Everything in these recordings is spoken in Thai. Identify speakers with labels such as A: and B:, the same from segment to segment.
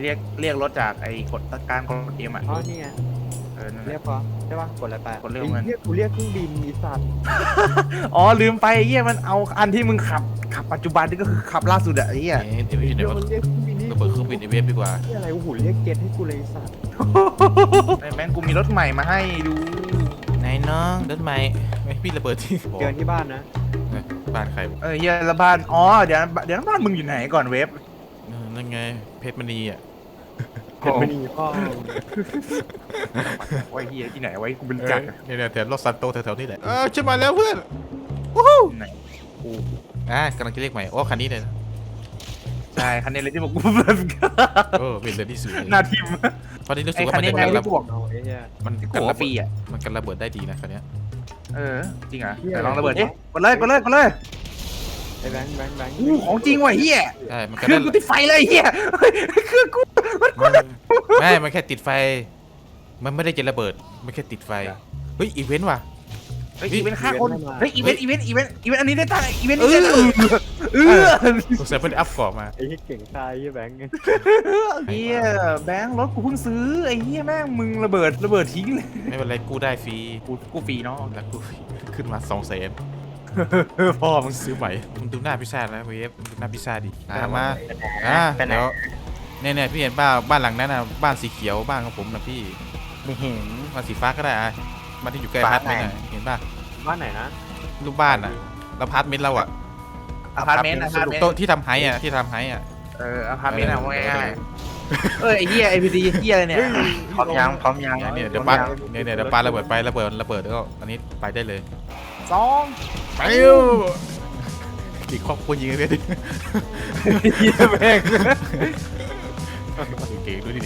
A: เรียกรถจากไอ้กดการกดเอ็มอ่ะ
B: อ๋อนี่ไง
A: นั่นแห
B: เรีย
A: ละ
B: กพอใช่ป่ะกดอะไรไป
A: กดเรียกมัน
B: เรียกกูเรียกเครื่องบินอีสัตว์
A: อ๋อลืมไปไอ้เหี้ยมันเอาอันที่มึงขับปัจจุบันนี่ก็คือขับล่าสุดอะไอ้เหี้ย
C: เดี๋ยว
B: เรีย
C: เดี๋ย
B: ก
C: ว
B: มันเรียกเครื่องบินนี่
C: ระเบิดเครื่องบินในเวฟดีกว่า
B: นี่อะไรโอ้โหเรียกเจ็ตให้กูเลยไอ้สัตว์
A: ไอ้แม่งกูมีรถใหม่มาให้ดู
C: ไหนน้องรถใหม่ไม่พี่ระเบิดที่
B: เจอที่บ้านนะ
C: บ้านใคร
A: เฮียละบ้านอ๋อเดี๋ยวนะบ้านมึงอยู่ไหนก่อนเว็บ
C: นั่นไงเพชรมณีอ่ะ
B: เห็นไม่ดีพ่อ
A: ไว้เฮียที่ไหนไว้กูเป็นจักร
C: เนี่ยแถวรถซันโตแถวๆนี่แหละฉันมาแล้วเพื่อน
A: ไหนกู
C: กำลังจะเรียกใหม่โอ้คันนี้เลยนะ
A: ใช่คันนี้เลยที่บอกกู
C: เป็นเรือที่สุด
A: หน้าทิม
C: ตอนนี้รู้สึ
A: ไอ้
C: กว่า
A: คัน
C: มัน
A: นี้
C: จะ
A: ไง
C: กันระ
A: ที่
C: เบิ
A: บ
C: ด
A: อก
B: เอาไอ้เนี่ย
C: มัน
A: ที่
C: กัน
A: บอก
C: ระ
A: ว่าฟ
C: เบิ
A: รี
C: ด
A: อ่ะ
C: มันกันระเบิดได้ดีนะคันนี้
A: จริงเหรอไหนลองระเบิดดิกดเลยกดเลยกดเลย
B: ไอ้แบงค์
A: อู้ของจริงว่ะเฮีย
C: ใช่มัน
A: เค
C: กัน
A: รื่องกูติดไฟเลยเฮียเครื่องกู
C: ไม่มันแค่ติดไฟ มันไม่ได้จะระเบิดมันแค่ติดไฟเฮ้ยอีเวนต์ว่ะ
A: เฮ้ยอีเวนต์ฆ่าคนเฮ้ยอีเวนต์อันนี้ได้ตังอีเวนต์นี้ได้
C: สงสัยเพิ่งอัพก่อมา
B: ไอ้ที่เก่งตายไอ้แบงค์
A: เฮียแบงค์รถกูเพิ่งซื้อไอ้เฮียแม่งมึงระเบิดทิ้งเลย
C: ไม่เป็นไรกู้ได้ฟรี
A: กูฟรีเนาะ
C: แล้วกู้ขึ้นมา200,000
A: พ่อมึ
C: มึ
A: ง
C: งซื้อใหม่มึงดูหน้าพิซซ่าแล้วเวฟมึงดูหน้าพิซซ่าดิมา
A: ไปไหน
C: เดี๋ยวเนี่ยพี่เห็นบ้านหลังนั้นนะบ้านสีเขียวบ้านของผมนะพี่
B: ไม่เห็น
C: บ้านสีฟ้าก็ได้อะบ้านที่อยู่ใกล้พาร์ทเมนต์อะเห็นป่ะ
B: บ้านไหนนะ
C: รูปบ้านอะแล้วพาร์ทเมนต์เราอะ
A: อพาร์ตเมนต์
C: โต๊ะที่ทำไฮอะที่ทำไฮอะ
A: อพาร์ตเมนต์อะว่าง่ายไอ้เฮียไอพีดีเฮียอะไรเนี่ย
B: พร้อมยังพร้อมยัง
C: เนี่ยเดี๋ยวป้าเนี่ยเดี๋ยวป้าระเบิดไประเบิดแล้วก็อันนี้ไปได้เลย
A: สอง
C: ไปเร็วอีกครอบครัวยิงกันเลยดิ
A: เฮียแม่ง
C: เก่งด้วยดิ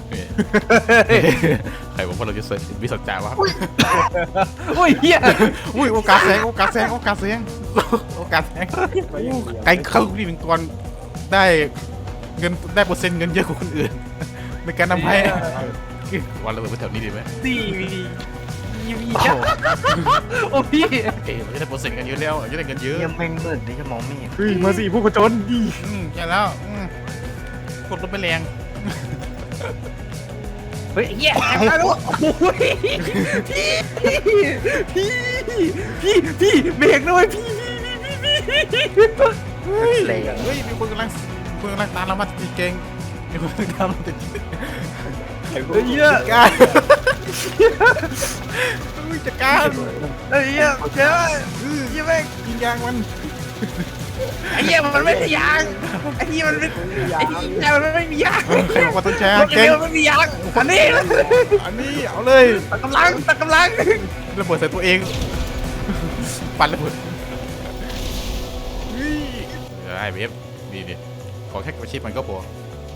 C: ใครบอกว่าเราจะเสร็จวิสัจจาวะ
A: โอ้ยเฮีย
C: อุ้ยโอกาสแซงไก่เข้านี่เป็นกรได้เงินได้เปอร์เซ็นต์เงินเยอะกว่าคนอื่นในการนำให้วันระเบิดไปแถวนี้ดีไหม
A: สี่โอ้พี่
C: มันจะได้เปอร์เซ็นต์กันเยอะแล้วจะได้เงินเยอะ
B: ยังแม่งมืดนี่จะมองไม่เห็น
A: มาสี่ผู้ผจญดี
C: ใช่แล้วกดลงไปแรง
A: เฮ้ยเฮียแอบได้แล้วโอ้ยพี่เบรกหน่อยพี่
B: แรง
C: เฮ้ยมีคนกำลังตามเรามาติดเก่งมีคนกำลังตามเราติด
A: เฮีย
C: การจัดการ
A: เฮียเจ้าเฮียแม่ง
C: ยิงยางมัน
A: ไอ้เหี้ยมันไม่ใช่ยางไอ้เหี้ยมันไม่ไอ้เหี้ยมันไม่มียาง
C: ใครบอกว่าต้องแชร์
A: รถเก่
C: เก่
A: ง
C: ง
A: มันไม่มียางอันนี้
C: อันนี้เอาเลย
A: ตัดกำลัง
C: ระเบิดใส่ตัวเองปั่นระเบิดไอ้เวฟดีดิขอแค่กระชิบมันก็พอ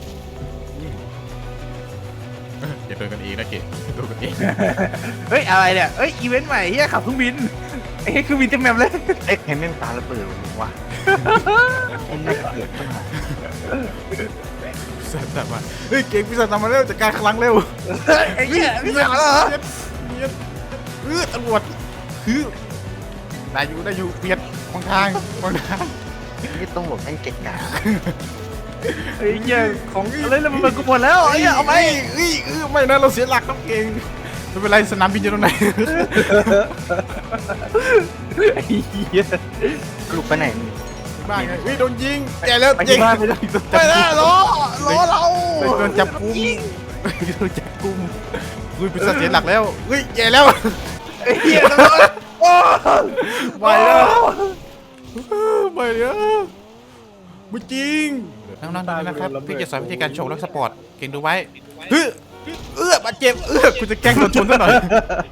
C: อย่าโดนกันเองนะเก๋โดนกันเอง
A: เฮ้ยอะไรเนี่ยเฮ้ยอีเวนต์ใหม่เฮียขับเครื่องบินไอ้เครื่องบินเต็มแมปเลย
B: เอ๊ะเห็นแม่งตาระเบิดวะไอ้น่าเกลียดมาก
C: สัตว์ตามมาเฮ้ยเก่งพิศาจตามมาเร็วจัดการคลังเร็ว
A: ไอ้เหี้ยพี่สาวเหรอ
C: เนียนตำรวจคือได้อยู่เบียดขวางทาง
B: นี่ต้องหลบแม่งเก่งกา
A: ไอ้เหี้ยของอะไรแล้วมันกูหมดแล้วไอ้เหี้ยเอาไป
C: ไม่นะเราเสียหลักต้องเก่งไม่เป็นไรสนามบินอยู่ตรงไหน
A: ไอ้เหี้ย
B: ลูกไปไหน
C: บ้านไงโดนยิงแย่แล้ว
A: ไปที่บ้านไปเลย
C: ไปแล้วล้อเราโดนจับกุมโดนจับกุมเป็นเสียหลักแล้วแย่แล้ว
A: ไอ้เหี้ยโอ้
C: ไม่แล้วไม่แล้วไม่จริงน้องๆนะครับพี่จะสอนวิธีการชงรถสปอร์ตเก่งดูไว้บาดเจ็บคุณจะแกล้งโดนชนซะหน่อย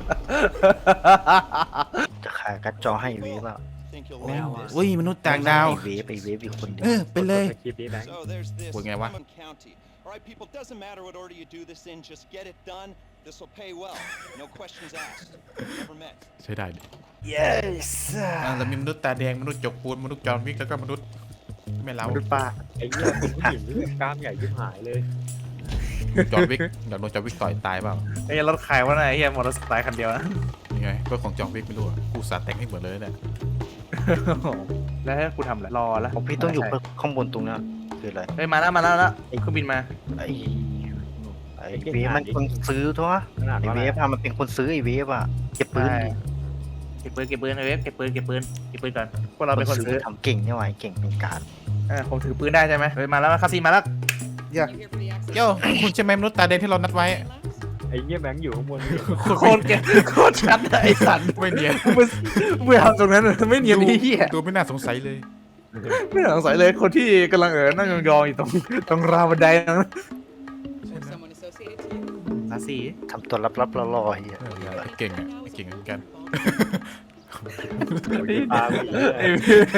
B: จะขายกัดจอให้เวฟอ่ะ
C: อุ้ยมนุษย์ต่างดาว
B: ไอเวฟอีกคนเดียว
C: ไปเลย
D: So there's this
C: Well, yeah, what?
D: Common County. All right, people, doesn't matter what order you do this in, just get it done. This will pay well. No questions asked. Never met.
C: ใช้ได้
A: yes
C: เรามีมนุษย์ตาแดงมนุษย์จกปูนมนุษย์จอห์นวิกแล้วก็มนุษย์ไม่เล้าม
A: นุษย์ป้า
B: ไอ้เหี้ยผู้หญิงกล้ามใหญ่ยิ่หายเลย
C: จอห์นวิกเดี๋ยวโดนจอห์นวิกต่อยตายเปล่า
A: ไอ้รถใครวะเนี่ยไอ้เหี้ยมอเตอร์ไซค์คันเดียวนะ
C: ยังไงก็ของจอห์นวิกไม่รู้อ่ะกูสาแต่งให้เหมือนเลยเนี่ย
A: แล้วกูทำอะไรรอแล้ว
B: ของพี่ต้องอยู่ข้างบนตรงนั้นคืออะไร
A: เฮ้ยมาแล้วเครื่องบินมา
B: ไอ้เวฟมันคนซื้อทั่วไอ้เวฟอะมันเป็นคนซื้อไอ้เวฟอะเก็บปืนดิ
A: เก็บปืนไอ้เว็บเก็บปืนก่อนพวกเราเป็นคนซื้อ
B: ทำเก่งนี่หว่าเก่งเป็นการ
A: ผมถือปืนได้ใช่ไหมเฮ้ยมาแล้วคาซีมาแล้วเดี๋ยว
C: โย่คุณใช่ไหมมนุษย์ตาแดงที่เรานัดไว้
E: ไอ้เหี้ยแบงค์อยู่ข้างบน
A: โคตรเก่งโคตรชัดไอ้สัตว์
C: ไม่เนียน
A: มึงทำตรงนั้นไม่เนียนนี่เหี้ย
C: ดูไม่น่าสงสัยเลย
A: ไม่สงสัยเลยคนที่กำลังนั่งยองๆอยู่ตรงราวบันไดนั้น
F: Someone associated to you.
A: คาซี
B: ทำตัวลับๆล่อๆเฮีย
C: เก่งอ่ะเก่งเหมือนกัน
E: ตาไม่ดี
A: ไอ้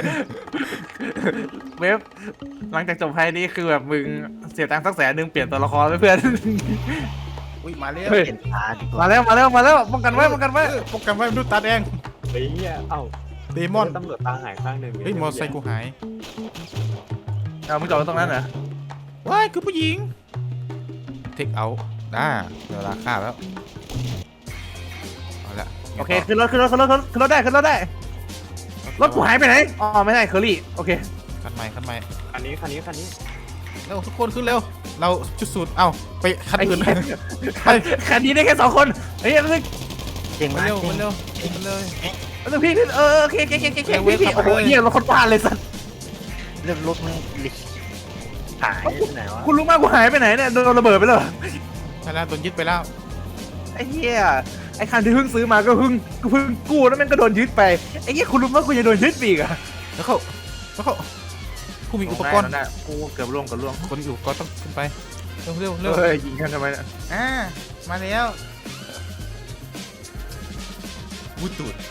A: เว็บหลังจากจบไพ่นี้คือแบบมึงเสียตังค์สัก100,000เปลี่ยนตัวละครไปเพื่อน
C: อุ้ยมาแล้ว
A: เฮ้ย
B: เห็นตาดีกว่า
A: มาแล้วป้องกันไว้
C: ป้องกันไว้มนุษย์ตาแดง
E: ไอ้เหี้ยเอ้า
C: เดมอน
E: ตำรวจตาหายข้างหนึ่ง
C: เฮ้ยมอเตอร์ไซค์กูหาย
A: มึงจอดตรงนั้นเหรอ
C: ว้ายคือผู้หญิงเทคเอาเวลาฆ่าแล้วเอาละ
A: โอเคขึ้นรถได้รถกูหายไปไหนอ๋อไม่ใช่เคอรี่โอเค
C: คันใหม่
E: คันนี้
C: เร็วทุกคนขึ้นเร็วเราจุดสูตรไปคันอื่น
A: คันนี้ได้แค่2 คนเฮ้ยนึก
B: เก่ง
C: มาม
B: าก
C: เร็ว
B: เก่ง
C: มาเร็วมาเลย
A: พี่โอเคพี่โอ้โหเฮียรถคนบ้านเลยสัตว์
B: เรื่องรถมันลิหายไปไหนวะ
A: คุณรู้มากกูหายไปไหนเนี่ยโดนระเบิดไปแล้ว
C: ใช่แล้วโดนยึดไปแล้ว
A: ไอ้เหี้ยไอ้คันที่เพิ่งซื้อมาก็เพิ่งกู้แล้วมันก็โดนยึดไปไอ้เหี้ยคุณรู้ว่ากูจะโดนยึดอีกอะ
C: แล้วเขาผู้มีอุปกรณ์
A: กูเกือบล่วง
C: คนมีอุปกรณ์ต้องขึ้นไปเร็ว
A: เฮ้ยยิงกันทำไมเนี่ย
C: มาแล้ววุ้ตูด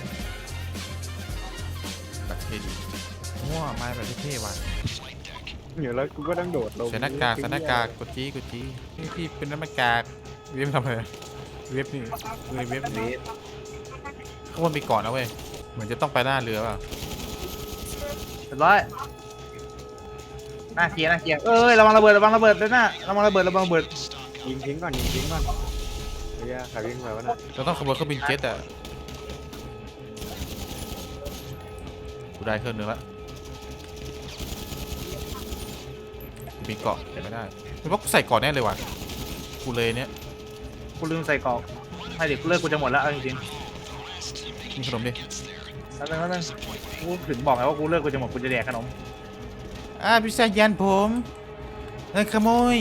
C: แบบเท่ดีว้ามาแบบเท่ว่ะ
E: เดี๋ยวแล้วกูก็ต้องโดดลง
C: ใส่หน้ากากกดจี้พี่เป็นหน้ากากเว็บทำอะไรเว็บนี่เว็บนี้ข้างบนมีก่อนนะเว้ยเหมือนจะต้องไปหน้าเรือเปล่า
A: เรียบร้อยน่าเกียร์เอ้ยระวังระเบิดเลยนะระวังระเบิด
E: ยิงทิ้งก่อนไอ้เหี้ยใครวิ่งไปวะน่ะ
C: เราต้องขบวนเครื่องบินเจ็ตอ่ะกูได้เครื่องนึงละกูมีเกาะแต่ไม่ได้ไม่ว่ากูใส่เกาะแน่เลยว่ะกูเลยเนี้ย
A: กูลืมใส่กรอกให้เด็กเลิกกูจะหมดแล้วเอาจริง
C: มีขนมดิ
A: ๆแล้วนึงกูถึงบอกไงว่ากูเลิกกูจะหมดกูจะแดกขนม
C: พี่ชายยันผมขโมย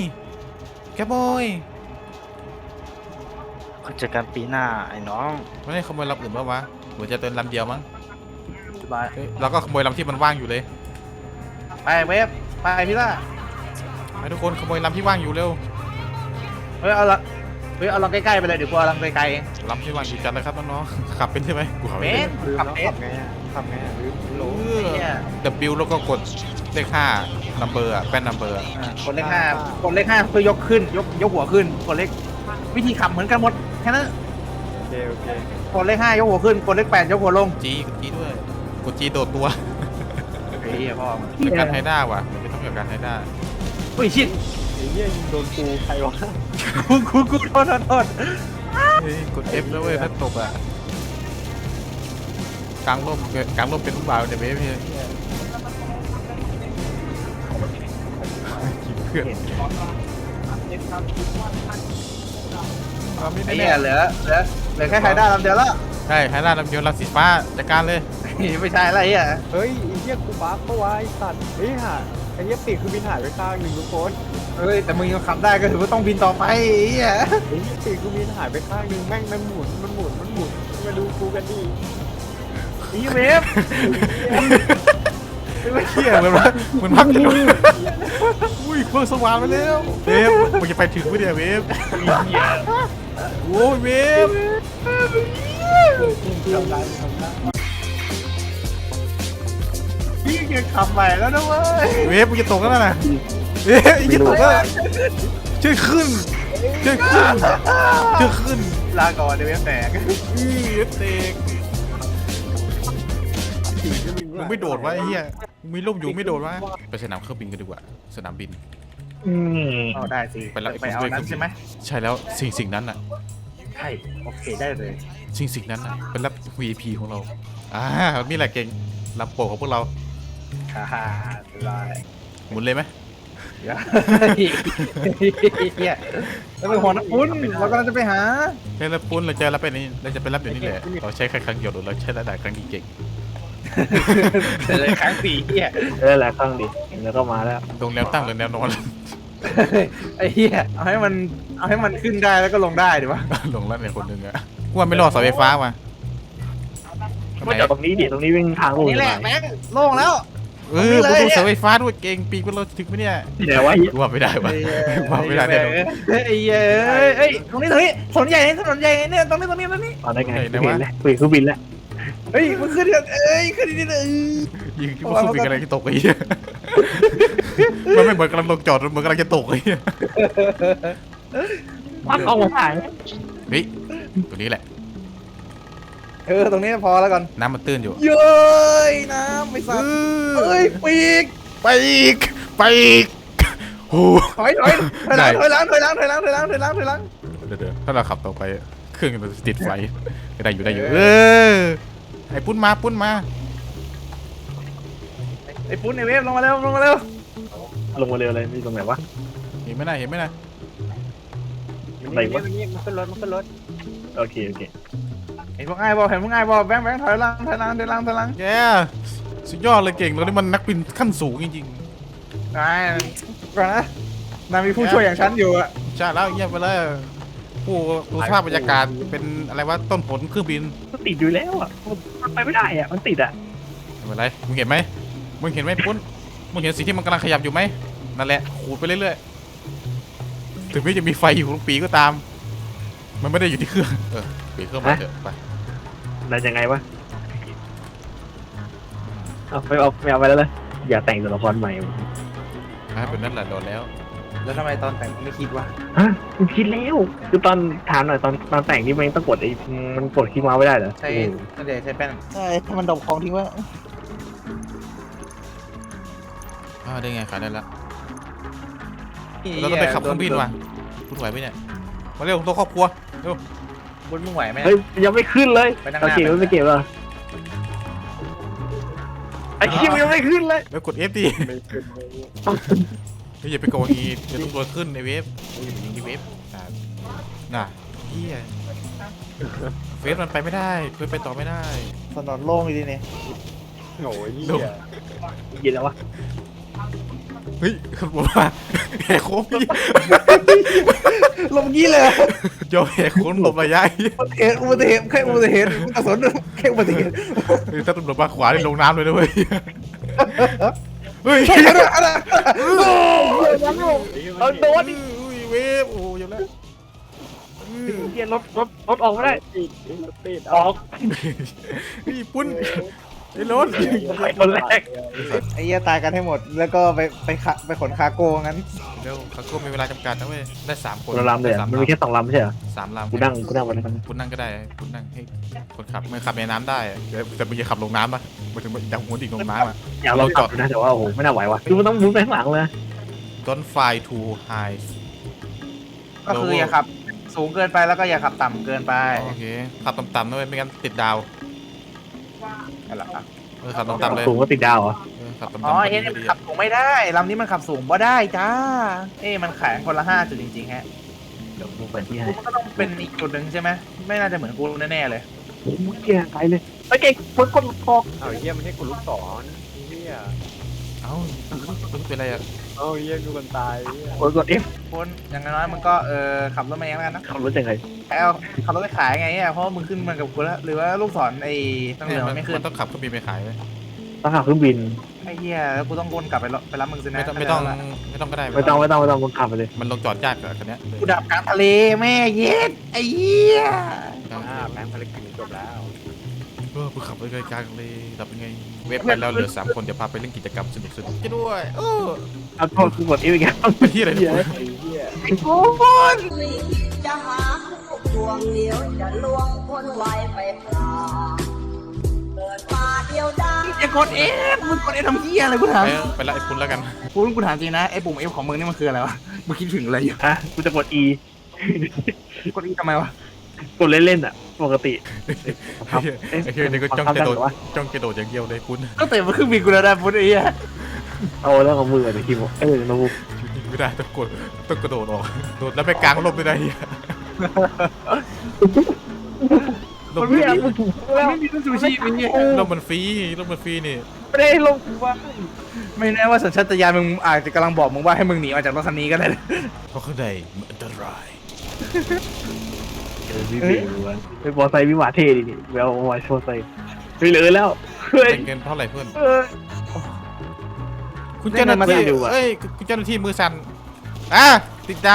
B: เจอกันปีหน้าไอ้น้อง
C: ไม่ได้ขโมยลำอื่นป่าวะเหมือนจะเติมลำเดียวมั้ง
A: สบาย
C: เฮ้ยเราก็ขโมยลำที่มันว่างอยู่เลย
A: ไปเวฟไปพี่ล่า
C: ไปทุกคนขโมยลำที่ว่างอยู่เร็ว
A: เอาลองใกล้ๆไปเลยเดี๋ยวกูเอาลองไกลๆเอง
C: ลำที่ว่างอยู่จัดเลยครับน้องๆขับเป็นใช่ไหมกูขับ
A: เป็
C: เป็น
E: ลืม
A: ขับ
E: แล้ว
A: เป็
E: ขับไงลืมโหล
A: เนี่ย
C: W แล้วก็กดเลข5 number อ่ะแป้น number อ่ะ
A: กดเลข5เพื่อยกขึ้นยกหัวขึ้นกดเลขวิธีขับเหมือนกันหมดแค่นั้น
E: โอเค
A: กดเลข5ยกหัวขึ้นกดเลข8ยกหัวลง
C: G กด G ด้วยกด G โดดตัว
A: ไอ้เหี้ยพ่อ
C: เป็นการไฮด้าว่ะมันไม่ต้องเกี่ยวกับการไฮด้า
A: อุ้ยชิด
E: ไอ้เหี้ยยิงโดนกูใครวะ
A: กูโทษ
C: เฮ้ยกด F แล้วเว้ยถ้าตกอ่ะกลางร่มเป็นลูกบ่าวในเวฟพี่เพื่อนไม่
A: ไอ้
C: แน่
A: เหี้ยเหลือแค่ไฮด้าลำเดียวแล้ว
C: ใช่ไฮด้าลำเดียวลำสีฟ้าจัดการเลย
A: ไม่ใช่อะไรอ่ะ
E: เฮ้ยไอ้เหี้ยกูบัฟเพราะว่าไอ้สัตว์ไอ้ห่าไอ้เหี้ยปีกคือบินหายไปข้างหนึ่งทุกคน
A: เฮ้ยแต่มึงยังขับได้ก็ถือว่าต้องบินต่อไปไอ้เหี้ย
E: ไอ้เหี้ยปีกคือบินหายไปข้างหนึ่งแม่งมันหมุนมาดูกูกันดิ
A: อีเวฟ
C: ไม่เชี่ยเหมือนพักกันอยู่อุ้ยเครื่องสว่างมาแล้วเวฟมึงจะไปถึงไม่ได้เวฟโอ้ยเวฟ
A: พี่ยังขับใหม่แล้วนะเว้ย
C: เวฟมึงจะตกแล้วนะเวฟจะตกแล้วช่วยขึ้น
A: ลาก่อนเดี๋ยวเวฟแตก
C: เวฟเตกมึงไม่โดดวะไอ้เหี้ยมึงมีร่มอยู่ไม่โดดวะไปสนามเครื่องบินกันดีกว่าสนามบิน
A: เอาได้สิ
C: ไปรับ
A: ไปเอานั้นใช่ไหม
C: ใช่แล้วสิ่งนั้นน่ะ
A: ใช่โอเคได้เลย
C: สิ่งนั้นน่ะเป็นรับ VIP ของเรามีแหละเก่งรับโปรของพวกเรา
A: ฮ่าได้
C: หมุนเลยไหม
A: เฮียแล้วไปหัวน้ำปุ้นเรากำลังจะไปหา
C: เจอแล้วปุ้นเราเจอแล้วไปนี่เราจะไปรับเดี๋ยวนี้แหละเราใช้แค่ครั้งเดียวหรือเราใช้หลายๆครั้งที่เก่ง
A: เลยครั้งสี่เฮีย
E: หลายครั้งดิแล้วก็มาแล้ว
C: ลงแนวตั้งหรือแนวนอน
A: ไอ้เฮียเอาให้มันขึ้นได้แล้วก็ลงได้ดีวะ
C: ลงแล้วเนี่ยคนหนึ่งอะกูว่าไม่รอดเสาไฟฟ้ามาทำไม
E: มาจากตรงนี้ดิตรงนี้วิ่งทางลง
A: นี่แหละแม่งโล่งแล้ว
C: เออกูดูเสาไฟฟ้าด้วยเก่งปีกเราถึงไหมเนี่ย
E: ที่ไหนวะ
C: กูว่าไม่ได้วะว่าไม่ได้แน่นอน
A: ไอ้เหี้ยเอ้ยตรงนี้ถนนใหญ่เนี่ยตรงนี้
E: ตอนได้ไงเห็นแล้วคุยเครื่องบินแล้ว
A: เฮ้ยมันขึ้นกันขึ้นนี่เลย
C: ยิงคิดว่าเครื่องบินอะไรที่ตกไอ้เหี้ยมันไม่เหมือนกำลังลงจอดเหมือนกำลังจะตกไอ้เหี้ย
E: มันออกมาถ่าย
C: เฮ้ยตัวนี้แหละ
A: ตรงนี้พอแล้วก่อน
C: น้ำมันตื้นอยู่
A: เย้ยน้ำไม่สัตว์เอ้ยปีก
C: ไปอีกไปอีกโอ้
A: ถอยหลังเ
C: ดี๋ยวถ้าเราขับต่อไปเครื่องมันจะติดไฟได้อยู่เออไอ้ปุ้นมา
A: ไอ้ปุ้นไอ้เวฟลงมาเร็ว
E: ลงมาเร็วเลยนี่ตรงไหนวะ
C: เห็นไหมนะ
E: ไหนวะมันขึ้นรถโอเค
A: เห็นพวกไอ้บอลแบงค์ถอยหลัง
C: แกสุดยอดเลยเก่งเรานี่มันนักบินขั้นสูงจริง
A: ไอ้ก่อนนะนายมีผู้ช่วยอย่างฉันอยู่อะ
C: ๆใช่แล้วเงียบไปเลยผู้ดูสภาพบรรยากาศเป็นอะไรวะต้นผลเครื่องบิน
E: มันติดอยู่แล้วอ่ะมันไปไม่ได้อ่ะมันติดอ่ะ
C: ไม่เป็นไรมึงเห็นไหมปุ้นมึงเห็นสิ่งที่มันกำลังขยับอยู่ไหมนั่นแหละขูดไปเรื่อยๆถึงแม้จะมีไฟอยู่ตรงปีก็ตาม มันไม่ได้อยู่ที่เครื่องปิดเครื่องมาเถอะไป
E: ได้ยังไงวะไม่เอาไปแล้วเลยอย่าแต่งตัวละครใหม่
C: เป็นนั่นแหละโดนแล้ว
A: แล้วทำไมตอนแต่งไม่คิดวะ
E: ฮะคุณคิดแล้วคือตอนถามหน่อยตอนแต่งนี่มันต้องกดมันกดคีย์เมาส์ไม่ได้เหรอ
A: ใช่ส่วนใหญ่ใช้แป้นใช่ถ้ามันดมของทิ้งไว้
C: ได้ไงขายได้แล้วเราต้องไปขับเครื่องบินว่ะคุณไหวไหมเนี่ยมาเร็วตัวครอบครัวเร็ว
A: บุญมึงไหวไหม
E: เฮ้ยยังไม่ขึ้นเลย
A: ไปนั่งหน้า
E: โอเคไม่เก็บเหรอไอ้คิวยังไม่ขึ้นเลย
C: แล้วกด F ดิอย่าไปโกงอีเดี๋ยวต้องโดนขึ้นในเว็บอย่าไปยิงที่เว็บน่ะเฮียเฟซมันไปไม่ได้เฟซไปต่อไม่ได้
A: ถนนโล่งดีนี่
E: โอ้ย
C: ลง
E: ยินแล้ววะ
C: เฮ้ยขับรถมาแหกโค้งพี่
A: ลงงี้เลย
C: โยแหกโค้งหลบระยะ
A: อุบัติเหตุแค่อุบัติเหตุกระสุนแค่อุบัติเหตุ
C: ถ้าตำรวจมาขวาได้ลงน้ำเลยนะเว้ยเฮ้ย
E: เอาโดน
C: เวฟโอ้ยแล้ว
E: เกียร์รถออกไม่ได้ออก
C: พี่ปุ้นไอ้รถ
E: ไปคนแรก
A: ไอ้เหี้ยตายกันให้หมดแล้วก็ไปขนคาโก้งั้น
C: เร็วคาโก้มีเวลาจำกัดนะเว้ยได้3 คน
E: เราลำเลยมันมีแค่2ลำไม่ใช่เหรอ
C: 3 ลำ
E: กูนั่งไปแล้วกัน
C: คุณนั่งก็ได้คุณนั่งให้คนขับไม่ขับในน้ำได้แต่มึงจะขับลงน้ำป่ะมาถึงอยากหัวดิ่งลงน้ำอ่ะ
E: อยากลองจอดนะแต่ว่าโอ้โหไม่น่าไหวว่ะคือมันต้องมุดไปข้างหลังเลย
C: Don't fly too high
A: ก็คืออย่าขับสูงเกินไปแล้วก็อย่าขับต่ำเกินไป
C: โอเคขับต่ำๆด้วยไม่งั้นติดดาว
A: นั่นแหละครับ
C: ขับต่ำๆเลย
E: สูงก็ติดดาวเหรอ
C: ขับต่ำๆ
A: อ๋อ
C: ก็
A: เฮ้ย
C: ดี
A: มันขับสูงไม่ได้ลำนี้มันขับสูงบ่ได้จ้ามันแข็งคนละ5 จุดจริงๆฮะ
E: เดี๋ยวมึงไปที่ไหน
A: มันก็ต้องเป็นอีกจุดหนึ่งใช่ไหมไม่น่าจะเหมือนกูแน่ๆเลย
E: มึงเกียร์ไปเลยไอ้เก่งมึงกดคอ
G: เอาเยี่ยมันให้กูลูกศรเฮีย
C: เอ้าเป็นไรอ่ะ
G: เอาเยี่ยกูกันตายเฮีย
E: กด F
A: คนอย่างน้อยมันก็ขับรถมาเองแล้วกันนะ
E: ขับรถยังไง
A: ขับรถไปขายไงเพราะมึงขึ้นมากับกูแล้วหรือว่าลูกศรไอ้ตั้งเหลืองมันไม่ขึ้น
C: มันต้องขับเครื่องบินไปขายเลย
E: ต้องขับเครื่องบิน
A: ไอ้เหี้ยแล้วกูต้องวนกลับไปรับมึงสินะ
C: ไม่ต้องก็ได้
E: ไม่ต้องมึงขับไปเลย
C: มันลงจอดยากกับคันนี้
A: กูดับกลางทะเลแม่เย็ดไอ้เหี้ย
G: แม่งภารกิจจบแล้ว
C: กูขับไปไกลกลางเลยดับยังไงเว็บไปแล้วเหลือ3 คนจะพาไปเล่นกิจกรรมสนุกๆจะด้วยโอ้
E: เอาโทษคือกด F อีกแล้ว
C: ไปที่อะไรเนี่ย
G: ไอ้เฮีย
H: จะหาคู่ดวงเดียวจะลวงคนไว้ไปพลาเกิดมาเดียวดาย
A: อย่ากดมึงกดทำเหี้ยอะไรกูถาม
C: ไปละไอ้คุณแล้วกัน
A: กูถามจริงนะไอ้ปุ่ม F ของมึงนี่มันคืออะไรวะมึงคิดถึงอะไรอยู่
E: ฮะกูจะกด E
A: กด E ทำไมวะ
E: กดเล่นๆอ่ะปกติ
C: ไอ้เฮ้ยนี่ก็จ้องจะโดดอย่างเดียวเลยคุณ
A: ก็เตะมาขึ้นบินกูแล้วนะพุทธไอ้เหี้ย
E: เอาแล้วของมือเดี๋ยวคิมมาบู
C: ชุดนี้ไม่ได้ต้องกระโดดออกโดดแล้วไปกลางลมไม่ได้เนี่ยล
E: มัน
C: ม
E: ไม่อยากมึงแล้ว
A: ไม่มีต้นซูชิมี
C: ลมมันฟรีนี่
E: ไม่ได้ลงกูว่า
A: ไม่แน่ว่าสัญชาตญาณมึงอาจจะกำลังบอกมึงว่าให้มึงหนีออกจากรถคันนี้ก็ได้
C: เพราะข้างในมันอันตราย
E: พี่เบลวะไปบอไซค์วิวาเท่ดิแวววายโชว์ไซค์ไปเลยแล้วเฮ้ย
C: เป็นเงินเท่าไหร่เพื่อน
E: เออ
C: คุณเจ้าหน้าที่
E: เล่นมันมาอยู่อะ
C: เอ้ยคุณเจ้าหน้าที่มือสั่นติดดาว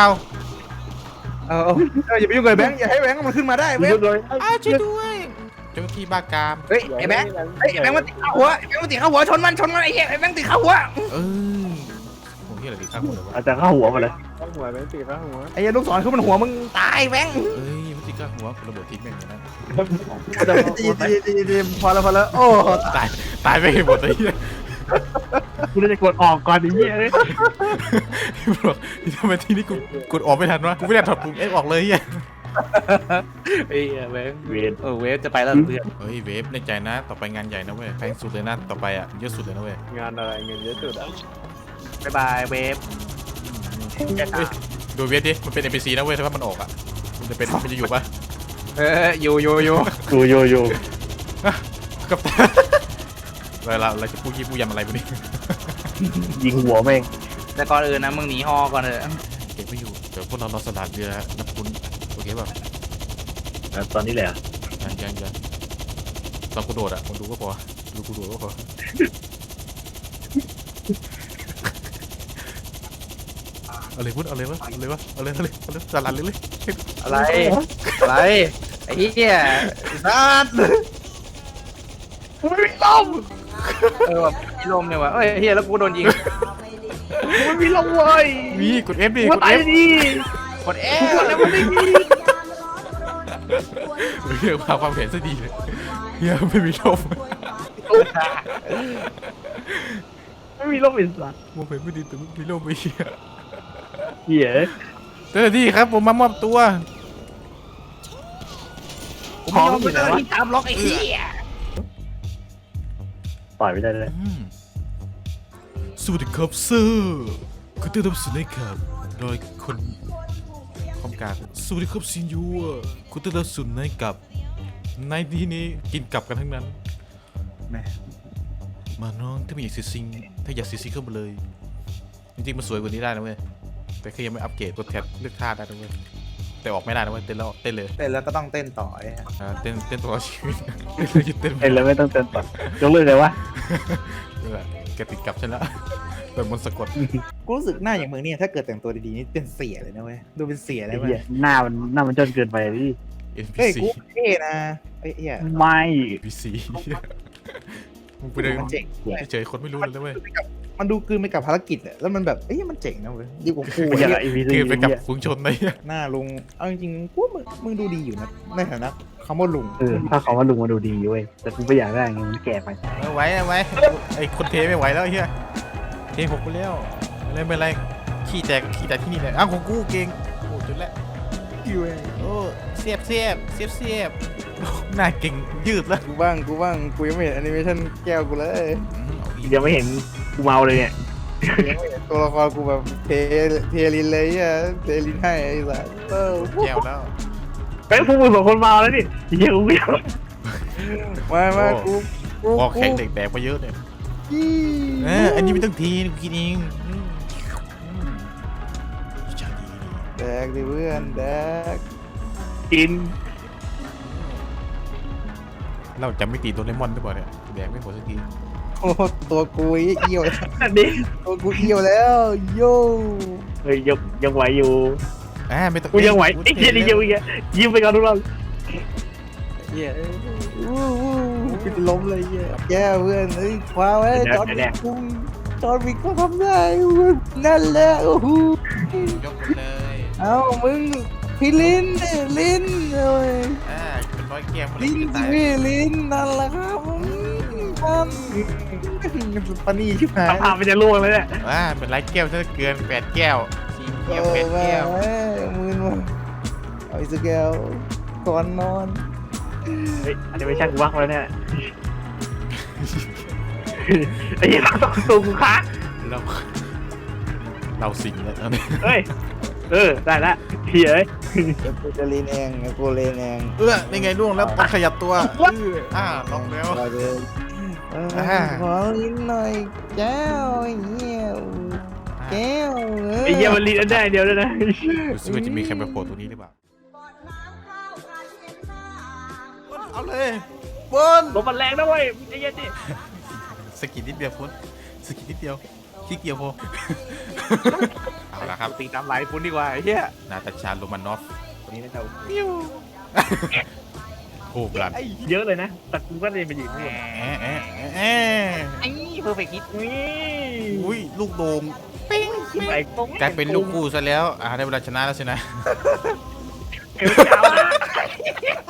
A: อย่าไปยุ่งกับแบงค์อย่าให้แบงค์มันขึ้นมาได้เว้ย
E: ยุดเลย
C: ช่วยด้วยเจ้าหน้าที่บ้ากาม
A: เฮ้ยไอ้แบงค์ไอ้แบงค์มันติดข้าหัวไอ้แบงค์มันติดข้าหัวชนมันไอ้เหี้ยไอ้แบงค์ติดข้าหัว
C: ผมที่อะไรดีข้างหัวเลยวะ
E: อาจจะเข้าหัวมาเลย
G: ข้างหัวแบงค์ตีข้างหัว
A: ไอ้ลูกศรคือมันหัวมึงตายแบงค์
C: ไม่ติดข้างหัวระเบิดทิ้งแม่งอย่างนั้น
A: ดีพอแล้วโอ้
C: ตายไปหมดเลยเหี้ย
E: กูจะกดออกก่อนไอ้เหี้ยเลย
C: บอกทำไมทีนี้กูกดออกไม่ทันวะกูไม่ได้ถอดปุ่มเอฟออกเลยเหี้ย
A: ไอ้แบงค์
E: เวน
A: เวฟจะไปแล้วเพื่อน
C: เฮ้ยเวฟในใจนะต่อไปงานใหญ่นะเว้ยแพงสุดเลยนะต่อไปเยอะสุดเลยนะเว้ย
G: งานอะไรเงินเยอะสุดอ่ะ
A: บ๊ายบายเวฟ
C: ดูเวฟดิมันเป็น NPC นะเว้ยถ้ามันออกมันจะอยู่ปะ
A: อยู่
E: โย
C: กับเราจะพูดยี่พูดยำอะไรพวกนี้
E: ยิงหัวแม่ง
A: แต่ก่อนอื่นนะมึงหนีฮอก่อนเถอะ
C: เก็บไม่อยู่เดี๋ยวพวกเราสลัดเรือนับคุณโอเคป่ะ
E: ตอนนี้แหละ
C: ยังตอนกูโดดมึงดูก็พอดูกูโดดก็พอเอาเลยวะสลัดเลย
A: อะไรไอ้เหี้ยนัดไม่มีลมแบบมีลมเนี่ยวะเอ้ยเหี้ยแล้วกูโดนยิง
E: ไม่มีลมเว้ย
C: มีกด F ดิ
E: กู
C: กด
E: ตาย
C: F
E: ดิ
A: กดแล้วมันไม่มี
C: เฮียความเห็นซะดีเลยเฮียไม่มีลม
E: ไม่มีลมอิสระ
C: มองเห็นไม่ดีแต่ไม่มีลมไม่เฮีย
E: เหี้ย
C: เจ้าหน้าที่ครับผมมามอบตัว
A: ผมไม่ยอมไปเจอที่ตามล็อกไอ้เหี้ย
E: ต่อยไม่ได้เลย
C: สวัสดีครับเซอร์คุณต้อนรับสู่ในครับโดยคนคอมการสวัสดีครับซินยูคุณต้อนรับสู่ในกับในที่นี้กินกลับกันทั้งนั้น
A: แม่
C: มาน้องถ้าไม่อยากซีซิงถ้าอยากซีซิงเข้ามาเลยจริงๆมันสวยกว่านี้ได้นะเว้ยแต่คือยังไม่อัปเกรดกดแท็บเลือกท่าได้นะเว้ยแต่ออกไม่ได้นะเว้ยเต้นเลย
A: เต้นแล้วก็ต้องเต้นต่อไอ้
C: เต้นตลอดชีวิตเต้นเลยหยุดเต้น
E: เอ็นเลยไม่ต้องเต้นต่อยกเลิกเลยวะ
C: นี่แหละแกติดกับฉันละแบบมนต์สะกด
A: กูรู้สึกหน้าอย่างมึงเนี่ยถ้าเกิดแต่งตัวดีๆนี่เป็นเสียเลยนะเว้ยดูเป็นเสียเล
E: ไอ้
A: ยเว้
E: เหี้ย
A: ย
E: หน้ามันจนเกินไปดิ
A: เฮ้ย
C: NPC
A: กูเท่นะไอ้เหี้ย
E: ไม่
C: NPC มึงไปเดิน
A: มันเจ๋ง
C: เฉยๆคนไม่รู้เลยนะเว้ย
A: มันดูกลืนไปกับภารกิจอะแล้วมันแบบเอ้ยมันเจ๋งนะเว้ยดีกว่ากู
E: มันอย่าง
A: เหี้ย
E: ไอพีซี
C: คือไปกับฝูงชนเลย
A: หน้าลุงเอาจริงๆกูว่ามึงดูดีอยู่นะในฐานะคำว่าลุง
E: ถ้าเขาว่าลุงมาดูดีเว้ยแต่กูไม่อยากได้ไงมันแก่ไป
C: ไม่ไหวไอ้คนเทไม่ไหวแล้วเฮียเทหกไปแล้วไม่เป็นไรขี้แตกที่นี่เลยอ้าวของกูเก่งโอ้จุดแล้วโอ้เสียบหน้าเก่งยืดแล้ว
A: กูบ้างกูยังไม่เห็นแอนิเมชั่นแก้วกูเลย
E: ยังไม่เห็นกูเมาเลยเนี่ย
A: ยังไม่เห็นตัวละครกูแบบเทลินเลยอ่ะเทลินให้ไอ้สัส
C: แก้วแล้ว
E: เฮ้ยพวกมึงสองคนเมาแล้วนี่เหี้ยกูไม่เอา
A: มากู
C: พอแข็งเด็กแบกมาเยอะเนี่ยอันนี้ไม่ต้องทีกูกินเองชาดี
A: แดกดิเพื่อนแดก
E: กิน
C: เราจะไม่ตีโดเรมอนได้ป่ะเนี่ยแดกไม่หมดสักที
A: โอ้ตัวกูเอี้ยวแล้ว
E: อันนี้
A: ตัวกูเอี้ยวแล้วโย่
E: เฮ้ยยังไหวอยู่
C: ไม่ต้อง
E: กูยังไหวไอ้เหี้ยนี่ยังยิ้มไปก่อนทุกคน
A: เหี้ยกูจะล้มเลยเหี้ยแย่เพื่อนเฮ้ยคว้าไว้จอร์นวิกก็ทำได้นั่นแหละโอ้โห
C: ยกเลย
A: เอ้ามึงพี่ลิ้นลิ้นเลย
C: เป็นร้อยแก้ว
A: ลิ้นสิพี่ลิ้นนั่นแหละครับปานี่ชิบหาย
E: พาไปจะล่วงเลยเนี่ย
C: เป็นไรแก้วถ้าเกิน8แก้ว4แก้ว8แก้ว
A: มืนมาเอาอีกสักแก้วก่อนนอน
E: เฮ้ยอันนี้ไม่ใช่กูวักแล้วเนี่ยไอ้เหี้ยต้องสูงค้า
C: เราเราสิงแล้วตอนนี้
E: เฮ้ยได้ละเฮียเอ้ย
A: กูจะเล่นเองกูเล่นเอง
C: นี่ไงล่วงแล้วมันขยับตัวลองแล้ว
A: มาเลยขอลิ้นหน่อยแก้วเหี้ยแก้ว
E: ไอ้เฮียมันลีดอันได้เดียวด้วยนะ
C: ดูซิว่าจะมีใครมาโผล่ตรงนี้หรือเปล่า เอาเลยบน
E: ลมมันแรงนะเว้ยไอ้เหี้ยดิ
C: สกิดนิดเดียวฟุ้นสกิดนิดเดียวขี้เกียจพอเอาละครับ
B: ตีน้ำไหลฟุ้นดีกว่าไอ้เหี้ย
C: นาตาชาโรมานอฟ
B: คนนี้น่าจะ
C: โอ้บลัน
E: เยอะเลยนะแต่กูก็เลยไปยืนนี่
B: ไอ้เพอร์เฟกต์ฮิต
C: อุ้ยลูกโด่ง
E: ไอ้
C: กลายเป็นลูกคู่ซะแล้วได้เวลาชนะแล้วสินะ
E: เอวเจ้านะ